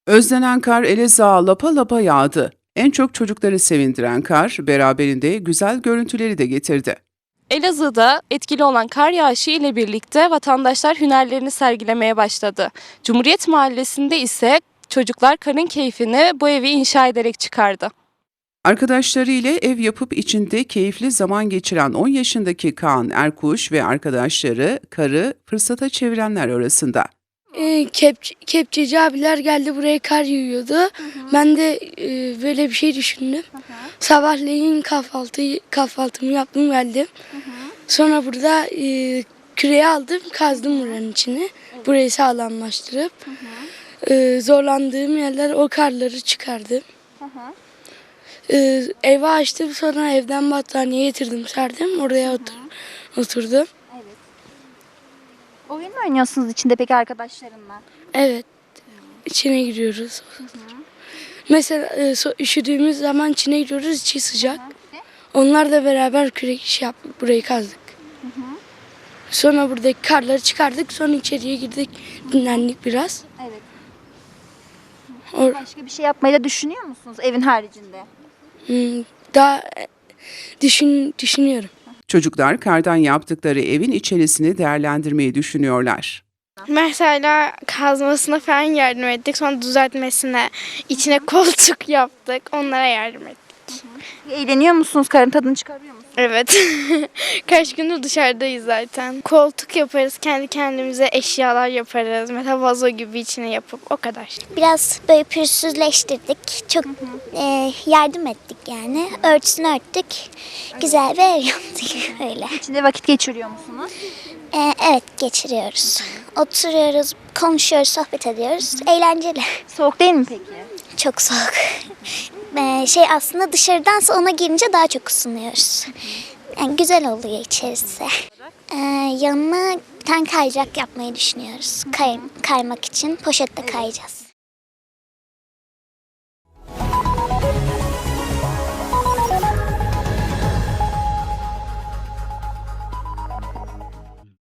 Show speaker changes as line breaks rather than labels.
Özlenen kar Elazığ'a lapa lapa yağdı. En çok çocukları sevindiren kar, beraberinde güzel görüntüleri de getirdi.
Elazığ'da etkili olan kar yağışı ile birlikte vatandaşlar hünerlerini sergilemeye başladı. Cumhuriyet Mahallesi'nde ise çocuklar karın keyfini bu evi inşa ederek çıkardı.
Arkadaşlarıyla ev yapıp içinde keyifli zaman geçiren 10 yaşındaki Kaan Erkuş ve arkadaşları karı fırsata çevirenler arasında.
Kepçeci abiler geldi, buraya kar yağıyordu. Ben de böyle bir şey düşündüm. Sabahleyin kahvaltımı yaptım, geldim. Sonra burada küreği aldım, kazdım buranın içine. Burayı sağlamlaştırıp zorlandığım yerler, o karları çıkardım. Eve açtım, sonra evden battaniye getirdim, serdim. Oraya oturdum.
Oyun mu oynuyorsunuz içinde peki arkadaşlarınla?
Evet, içine giriyoruz. Mesela üşüdüğümüz zaman içine giriyoruz, içi sıcak. Onlarla beraber kürek iş yaptık, burayı kazdık. Sonra buradaki karları çıkardık, sonra içeriye girdik, dinlendik biraz.
Evet.
Or
Başka bir şey yapmayı da düşünüyor musunuz evin haricinde?
Daha düşünüyorum.
Çocuklar kardan yaptıkları evin içerisini değerlendirmeyi düşünüyorlar.
Mesela kazmasına falan yardım ettik. Sonra düzeltmesine, içine koltuk yaptık. Onlara yardım ettik.
Eğleniyor musunuz? Karın tadını çıkarıyor musunuz?
Evet. Kaç gündür dışarıdayız zaten. Koltuk yaparız. Kendi kendimize eşyalar yaparız. Mesela vazo gibi içine yapıp o kadar.
Biraz böyle pürüzsüzleştirdik. Çok yardım ettik yani. Örtüsünü örttük. Güzel bir ev yaptık öyle.
İçinde vakit geçiriyor musunuz?
Evet, geçiriyoruz. Oturuyoruz, konuşuyoruz, sohbet ediyoruz. Eğlenceli.
Soğuk değil mi peki?
Çok soğuk. Aslında dışarıdansa ona girince daha çok ısınıyoruz. Yani güzel oluyor içerisi. Yanına bir tane kayacak yapmayı düşünüyoruz. Kaymak için poşette kayacağız.